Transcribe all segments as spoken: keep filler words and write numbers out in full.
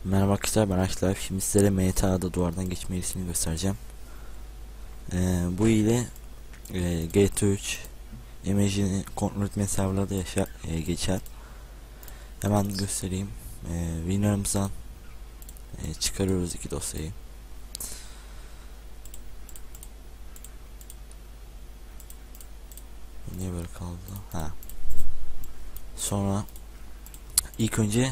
Merhaba arkadaşlar, ben Aşklar. Şimdi sizlere M T A'da duvardan geçme ilerisini göstereceğim. Ee, bu ile e, G T üç imajını kontrol etme serverlarda yaşa, e, geçer. Hemen göstereyim. E, Winrar'ımızdan e, çıkarıyoruz iki dosyayı. Niye böyle kaldı? Ha. Sonra ilk önce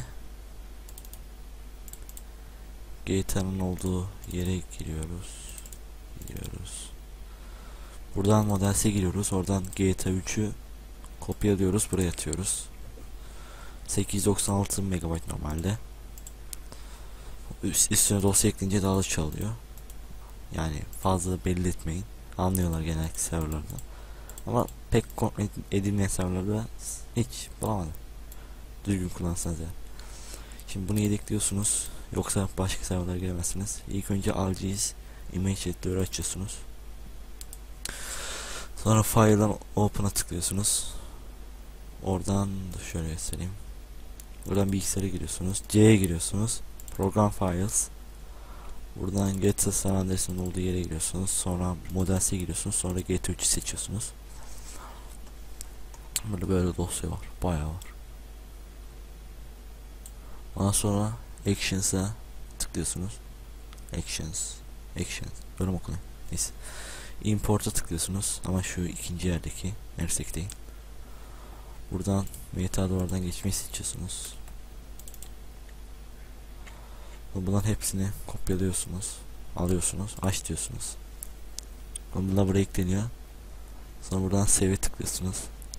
G T A'nın olduğu yere giriyoruz. Giriyoruz. Buradan modelse giriyoruz. Oradan G T A üçü kopyalıyoruz. Buraya atıyoruz. sekiz yüz doksan altı megabayt normalde. Üst, üstüne dosya ekleyince daha da çalıyor. Yani fazla belli etmeyin. Anlıyorlar genellikle serverlarda. Ama pek kontrol edilmeyen serverlarda hiç bulamadım. Düzgün kullansanız ya. Şimdi bunu yedekliyorsunuz. Yoksa başka serverlara giremezsiniz. İlk önce alacağız. Image editor'ı açıyorsunuz. Sonra file'dan open'a tıklıyorsunuz. Oradan şöyle göstereyim. Buradan bilgisayara giriyorsunuz. C'ye giriyorsunuz. Program Files. Buradan G T A San Andreas'ın olduğu yere giriyorsunuz. Sonra Models'e giriyorsunuz. Sonra G T üçü seçiyorsunuz. Burada böyle dosya var. Bayağı var. Ondan sonra Actions'a tıklıyorsunuz. Actions. Actions. Böyle mi okunuyor? Neyse. Import'a tıklıyorsunuz. Ama şu ikinci yerdeki. Mersek değil. Buradan M T A duvardan geçmeyi seçiyorsunuz. Bunların hepsini kopyalıyorsunuz. Alıyorsunuz. Aç diyorsunuz. Bunlar buraya ekleniyor. Sonra buradan save'e tıklıyorsunuz.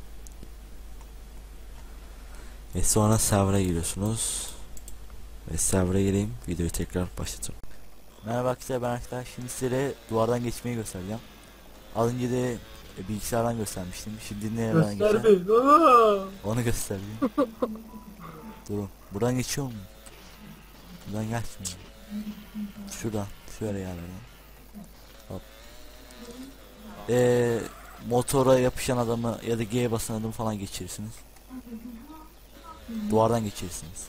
Ve sonra server'a giriyorsunuz. Ve server'a gireyim. Videoyu tekrar başlatıyorum. Merhaba arkadaşlar, ben arkadaşlar. Şimdi size duvardan geçmeyi göstereceğim. Az önce de e, bilgisayardan göstermiştim. Şimdi nereden geçeceğim? Onu göstereyim. Durun. Buradan geçiyor mu? Buradan geçmiyor. Şuradan. Şöyle yerlerden. Hop. Ee, motora yapışan adamı ya da G'ye basan adamı falan geçirirsiniz. Duvardan geçirirsiniz.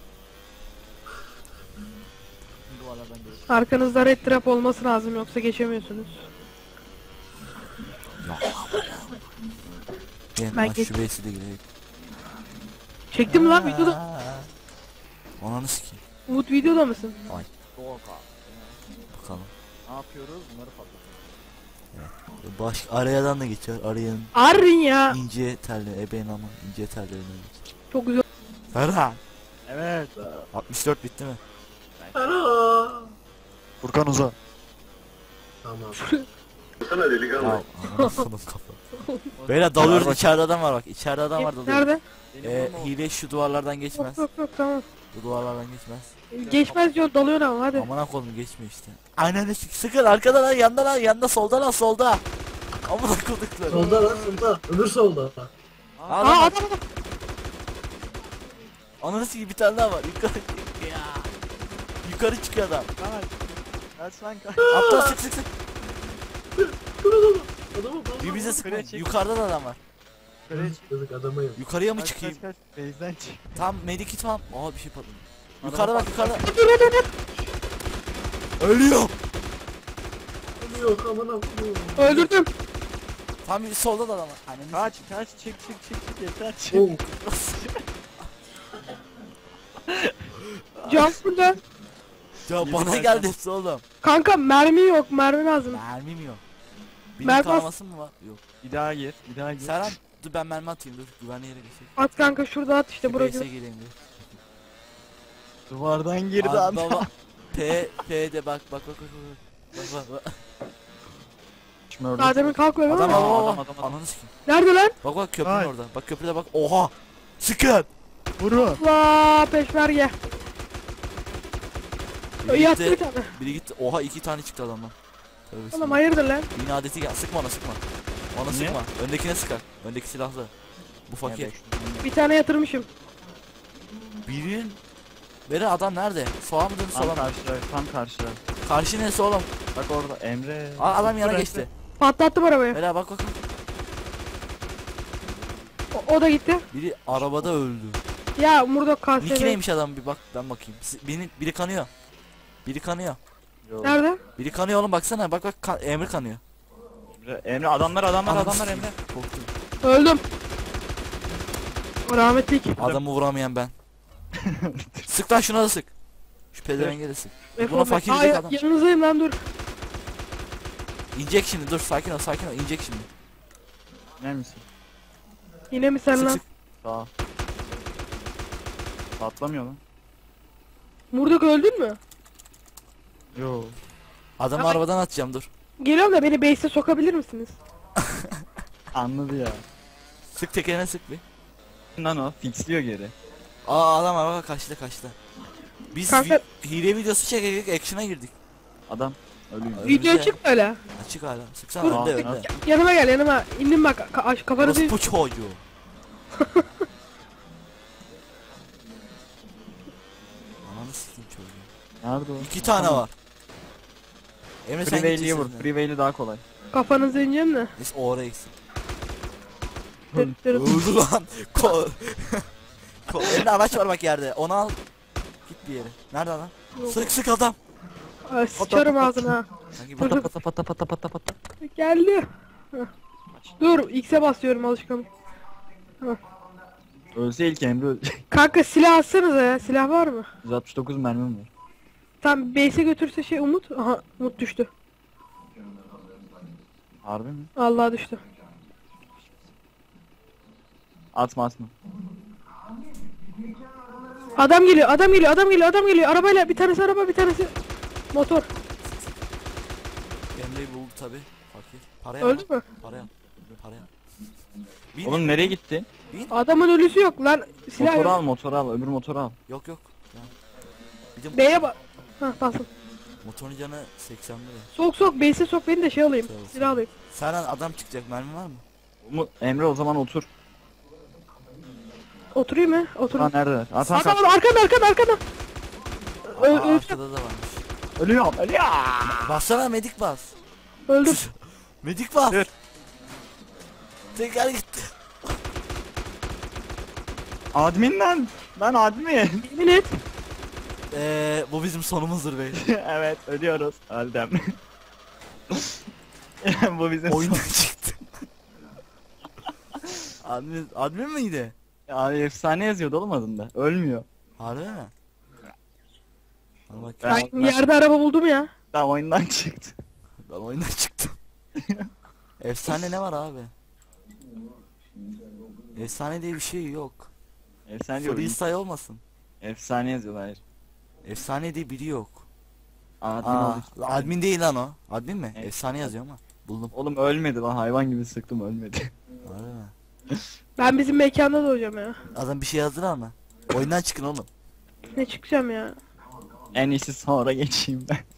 Duvarlardan geçirirsiniz. Arkanızda red trap olması lazım, yoksa geçemiyorsunuz. Ben, Ben ben geç- şu base'i de gireyim. Çektim lan videoda. Ananı sikeyim. Umut videoda mısın? Ay. Doğuka. Bakalım. Ne yapıyoruz? Bunları patlatıyoruz. Baş arayadan da geçiyor. Arayanın Arrin ya. ince telli, ebeğin ama ince tellerine geçiyor. Çok güzel. Ferhan. Evet. altmış dört bitti mi? Furkan uza. Tamam. Sana delikanlı. Ya anasının kafa. Beyler dalıyoruz, içeride adam var bak. İçeride adam var, dalıyor. Nerede? Ee, hile şu duvarlardan Yok geçmez. yok yok, tamam. Bu duvarlardan geçmez. Geçmez diyor, dalıyor ama hadi. Amına koydum, geçmiyor işte. Aynen de sıkın arkadan lan, yandan lan, yanda, solda lan, solda. Amına koydukları. Solda lan solda. Öbür solda. Aa Adam var. adam adam. Ananı sikeyim, bir tane daha var. Yukarı ya. Yukarı çıkıyor adam. Kaç. Kaç lan kaç. Aptal, sık sık sık. Adamı bana. Bir bize Yukarıya sıkmayın. çek. Yukarıda da adam var. Yukarıya çık. Yazık adama yok. Yukarıya mı Kaç çıkayım? kaç kaç. Base'den çık. Tam medikit falan. Aa bir şey patladı. Yukarıda bak, yukarıda. Dur dur dur, dur. Ölüyor. Yok aman aman. Öldürdüm. Tam bir solda da adam var. Ananı Kaç kaç çık çık çık çık yeter çık. Oh. Can burada. Ya bana geldi hepsi oğlum. Kanka mermi yok, mermi lazım. Mermim yok. Benim Mermi- kanaması mı var? Yok. Bir daha gir. Bir daha gir. Serhan dur, ben mermi atayım, dur. Güvenli yere geçeyim. At kanka, şurada at işte, Şu burası. base'e geleyim dur. Duvardan girdi Abi adam. baba. P P'de bak bak bak bak bak. Bak bak bak. Şimdi orada. Daha demin kalkıyor değil Adam mi? adam Adam, adam. adam, adam. Ananı sikeyim. Nerede lan? Bak bak köprünün Ay. orada. Bak köprüde bak. Oha. Sıkın. Vurun. La peşmerge. Biri Yattı bir gitti. tane. Biri gitti. Oha iki tane çıktı adamdan. Tövbe Oğlum bismillah. hayırdır lan? Yine adeti gel. Sıkma ona, sıkma. Ona Niye? sıkma. Öndekine sıkar. Öndeki silahlı. Bu fakir. Bir tane yatırmışım. Birin. Beri adam nerede? Sola mı döndü, sola Tam mı? karşıda. Tam karşıda. Karşı neresi oğlum? Bak orada Emre. Aa, adam yana Dur, geçti. Patlattım arabayı. Beri bak bak. O, o da gitti. Biri arabada öldü. Ya Murdok K S Nick V. neymiş adam bir bak ben bakayım. Si- Biri, biri kanıyor. Biri kanıyor. Yok. Nerede? Biri kanıyor oğlum baksana bak bak kan- Emre kanıyor. Emre, Emre adamlar adamlar Ananı adamlar sikeyim. Emre. Korktum. Öldüm. Rahmetlik. Adamı vuramayan ben. Sık lan şuna da sık. Şu pedevenge de sık. Buna fakir Aa, diyecek ya- adam. yanınızdayım lan dur. İnecek şimdi dur sakin ol sakin ol inecek şimdi. Ne misin? Yine mi sen Sık lan? sık. Sağ ol. Patlamıyor lan. Murdok öldün mü? Yo. Adamı Ama- arabadan atacağım dur. Geliyorum da beni base'e sokabilir misiniz? Anladı ya. Sık tekerine sık bir. Lan o fixliyor geri. Aa adam araba kaçtı kaçtı. Biz Kanka- vi- hile videosu çekerek action'a girdik. Adam ölüyor. Öyle Video güzel. açık böyle. Açık hala. Sıksana Dur. önde Aa, önde. Yanıma gel yanıma. İndim bak ka- aş- kafanızı. Orospu çocuğu. Ananı sikeyim çocuğu. Nerede o? İki tane var. Emre sen Freeway'liye gideceksin. vur. Freeway'li daha kolay. Kafanızı ineceğim de. Neyse o oraya gitsin. Dır dır. Öldü lan. Ko Ko Elinde araç var bak yerde. Onu al. Git bir yere. Nerede adam? Sık sık adam. Ay, sıçarım ağzına. Sanki Dur, bak. dur. Pata pata pata pata pata. Geldi. Heh. Dur X'e basıyorum alışkanlık. Ölse ilk Emre ölecek. Kanka silah atsanıza ya. Silah var mı? yüz altmış dokuz mermim var. Tam base'e götürse şey Umut. Aha Umut düştü. Harbi mi? Allah düştü. Atma atma. Adam geliyor, adam geliyor, adam geliyor, adam geliyor. Arabayla bir tanesi araba, bir tanesi motor. Emre'yi buldu tabi. Fakir. Paraya Öldü mü? Paraya. Paraya. Bin. Oğlum nereye gitti? Adamın ölüsü yok lan. Silah Motoru yok. al motoru al öbür motoru al. Yok yok. Ya. Bir de B'ye bak. Hah basın. motorun canı seksen lira. Sok sok, base'e sok beni de şey alayım. Sağ ol, sağ Silah ol. alayım. Senden adam çıkacak mermi var mı? Umut, Emre o zaman otur. Oturayım mı? Ha Oturayım. nerede? Atan Adam kaç. arkanda arkanda arkanda. Ö Aa, öldüm. arkada da varmış. Ölüyorum ölüyorum. Bassana medik bas. Öldüm. Medik bas. Dur. Tekrar gitti. Admin lan. Ben admin. Yemin et. Eee bu bizim sonumuzdur bey. Evet ölüyoruz. Öldüm. Bu bizim Oyundan çıktı. admin, admin miydi? Abi efsane yazıyordu oğlum adında. Ölmüyor. Harbi mi? Bana bak. Ben- Ben yerde araba buldum ya. Tamam oyundan çıktı. Ben oyundan çıktım. Efsane ne var abi? Efsane diye bir şey yok. Efsane diyor. Freestyle olmasın. Efsane yazıyorlar. Hayır. Efsane diye biri yok. Admin Aa, oldu. admin değil lan o. Admin mi? Evet. Efsane yazıyor ama. Buldum. Oğlum ölmedi lan hayvan gibi sıktım ölmedi. Harbi mi? Ben bizim mekanda doğacağım ya. Adam bir şey yazdılar mı? Oyundan çıkın oğlum. Ne çıkacağım ya. En iyisi sonra geçeyim ben.